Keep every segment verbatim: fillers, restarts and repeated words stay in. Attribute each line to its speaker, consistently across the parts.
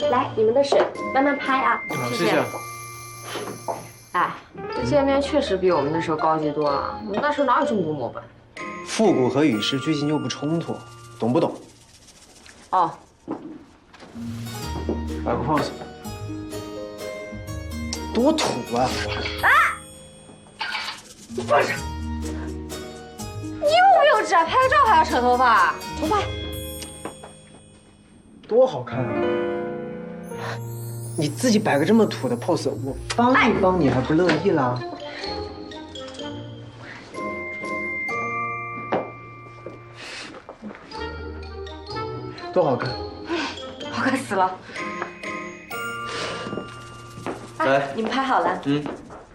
Speaker 1: 来，你们的水，慢慢拍啊。
Speaker 2: 好，谢谢。
Speaker 1: 哎，这界面确实比我们那时候高级多了。我们那时候哪有这么多模板？
Speaker 2: 复古和与时俱进又不冲突，懂不懂？
Speaker 1: 哦。
Speaker 2: 摆个 pose。多土啊！
Speaker 1: 啊！不是，你幼不幼稚啊？拍个照还要扯头发？重拍。
Speaker 2: 多好看啊！你自己摆个这么土的 pose， 我帮一帮你还不乐意啦？多好看！
Speaker 1: 好看死了！
Speaker 2: 来，
Speaker 1: 你们拍好了。
Speaker 2: 嗯。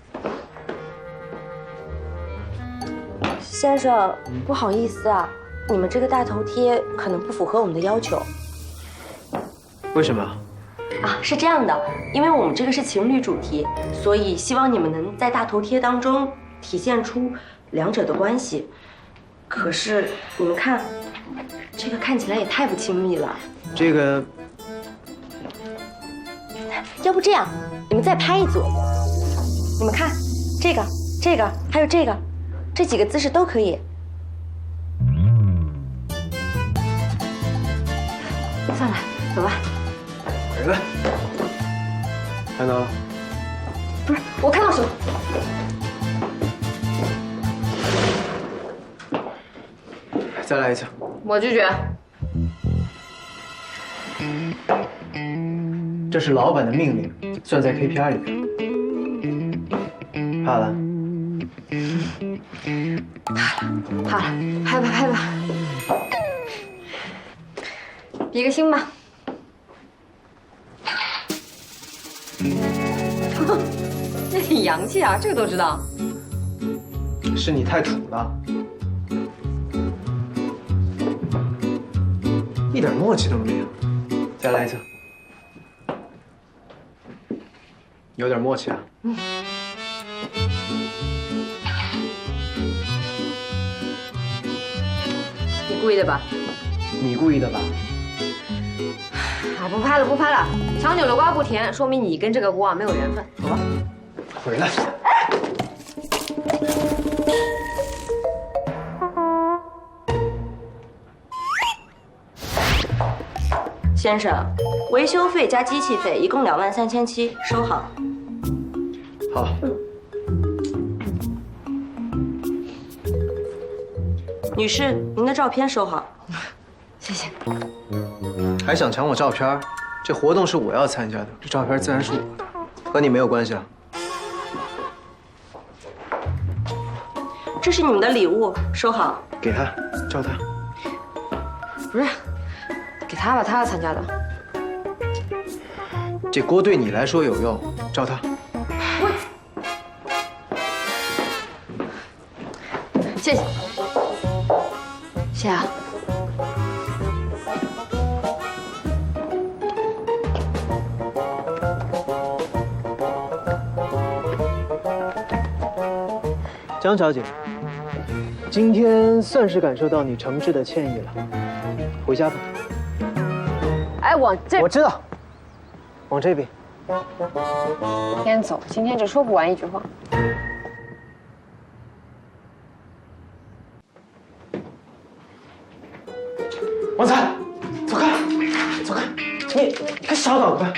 Speaker 1: 先生，不好意思啊，你们这个大头贴可能不符合我们的要求。
Speaker 2: 为什么？
Speaker 1: 啊，是这样的，因为我们这个是情侣主题，所以希望你们能在大头贴当中体现出两者的关系。可是你们看，这个看起来也太不亲密了。
Speaker 2: 这个，
Speaker 1: 要不这样，你们再拍一组。你们看，这个、这个还有这个，这几个姿势都可以。算了，走吧。
Speaker 2: 回来。看到了？
Speaker 1: 不是，我看到什么？
Speaker 2: 再来一次。
Speaker 1: 我拒绝。
Speaker 2: 这是老板的命令，算在 K P I 里边。怕了？
Speaker 1: 怕了，怕了，拍吧，拍吧。比个心吧。那挺洋气啊，这个都知道。
Speaker 2: 是你太土了，一点默契都没有。再来一次。有点默契啊。嗯。
Speaker 1: 你故意的吧？
Speaker 2: 你故意的吧？
Speaker 1: 啊，不拍了，不拍了。强扭的瓜不甜，说明你跟这个锅啊没有缘分。走吧。
Speaker 2: 回来。
Speaker 1: 先生，维修费加机器费一共两万三千七，收好。
Speaker 2: 好。
Speaker 1: 女士，您的照片收好。谢谢。
Speaker 2: 还想抢我照片？这活动是我要参加的，这照片自然是我的，和你没有关系啊。
Speaker 1: 这是你们的礼物，收好。
Speaker 2: 给他，照他。
Speaker 1: 不是，给他吧，他要参加的。
Speaker 2: 这锅对你来说有用，照他。
Speaker 1: 我，谢谢。谢谢啊。
Speaker 2: 江小姐，今天算是感受到你诚挚的歉意了，回家吧。
Speaker 1: 哎，往这，
Speaker 2: 我知道，往这边。
Speaker 1: 先走，今天就说不完一句话。
Speaker 2: 王才，走开，走开，你还小脑子。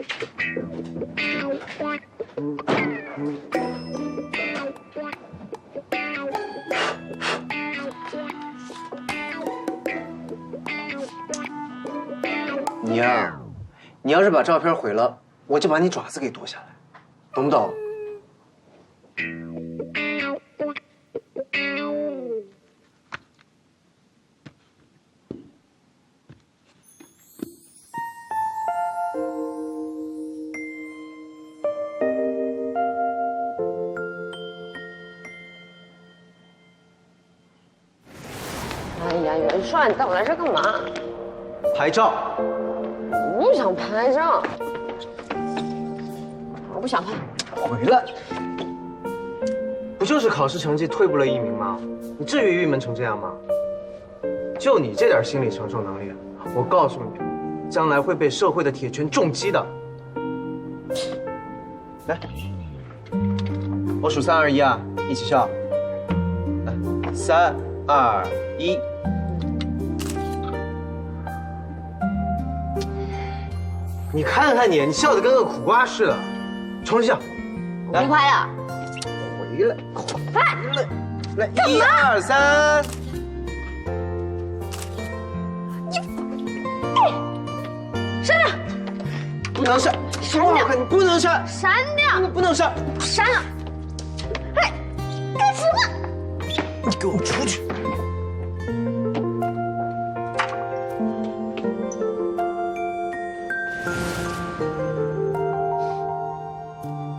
Speaker 2: 你呀，你要是把照片毁了，我就把你爪子给剁下来，懂不懂？
Speaker 1: 哎呀，元帅，你带我来这干嘛？
Speaker 2: 拍照。
Speaker 1: 我不想拍照，我不想拍。
Speaker 2: 回来。不就是考试成绩退步了一名吗？你至于郁闷成这样吗？就你这点心理承受能力，我告诉你， 将来会被社会的铁拳重击的。来，我数三二一啊，一起笑。来，三二一。你看看你，你笑得跟个苦瓜似的，重新笑。
Speaker 1: 我不快乐。
Speaker 2: 回来，回来，来，一二三。
Speaker 1: 删掉！
Speaker 2: 不能删！
Speaker 1: 删掉！
Speaker 2: 你不能删！
Speaker 1: 删掉！
Speaker 2: 不能删！
Speaker 1: 删了！哎，干什么？
Speaker 2: 你给我出去！